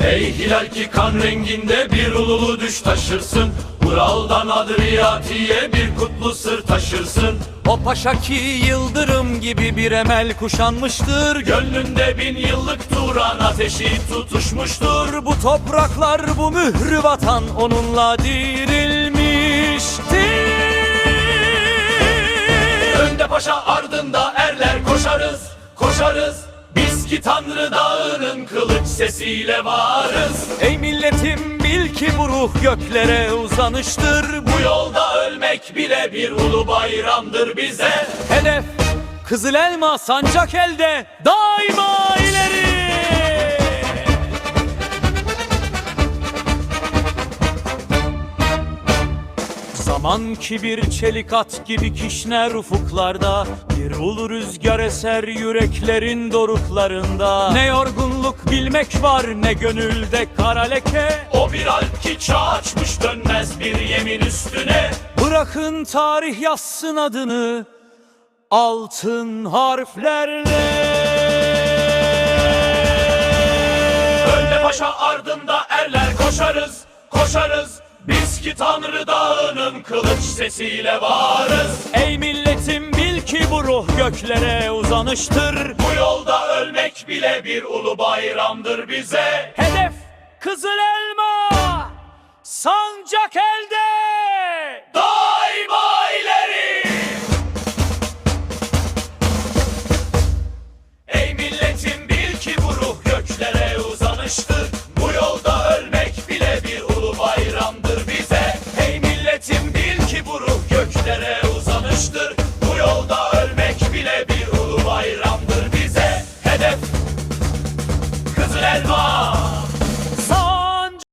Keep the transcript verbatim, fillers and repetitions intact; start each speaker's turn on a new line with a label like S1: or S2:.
S1: Ey hilal ki kan renginde bir ululu düş taşırsın, Ural'dan Adriyatik'e bir kutlu sır taşırsın.
S2: O paşa ki yıldırım gibi bir emel kuşanmıştır,
S1: Gönlünde bin yıllık Turan ateşi tutuşmuştur.
S2: bu topraklar, bu mührü vatan onunla dirilmiştir.
S1: Önde paşa ardında erler koşarız, koşarız. Biz ki Tanrı Dağı'nın kılıç sesiyle varız.
S2: Ey milletim bil ki bu ruh göklere uzanıştır,
S1: Bu yolda ölmek bile bir ulu bayramdır bize.
S2: hedef kızıl elma sancak elde, daima ileri. Zaman ki bir çelik at gibi kişner ufuklarda, bir ulu rüzgar eser yüreklerin doruklarında. Ne yorgunluk bilmek var, ne gönülde kara leke.
S1: O bir alp ki çağ açmış, dönmez bir yemin üstüne.
S2: Bırakın tarih yazsın adını altın harflerle.
S1: Önde paşa ardında erler koşarız, koşarız. Biz ki Tanrı Dağı'nın kılıç sesiyle varız.
S2: Ey milletim bil ki bu ruh göklere uzanıştır,
S1: Bu yolda ölmek bile bir ulu bayramdır bize.
S2: hedef kızıl elma sancak elde,
S1: Daima ileri. Ey milletim bil ki bu ruh göklere uzanıştır, Bu yolda ölmek bile bir ulu bayramdır bize. Ey milletim bil ki bu ruh göklere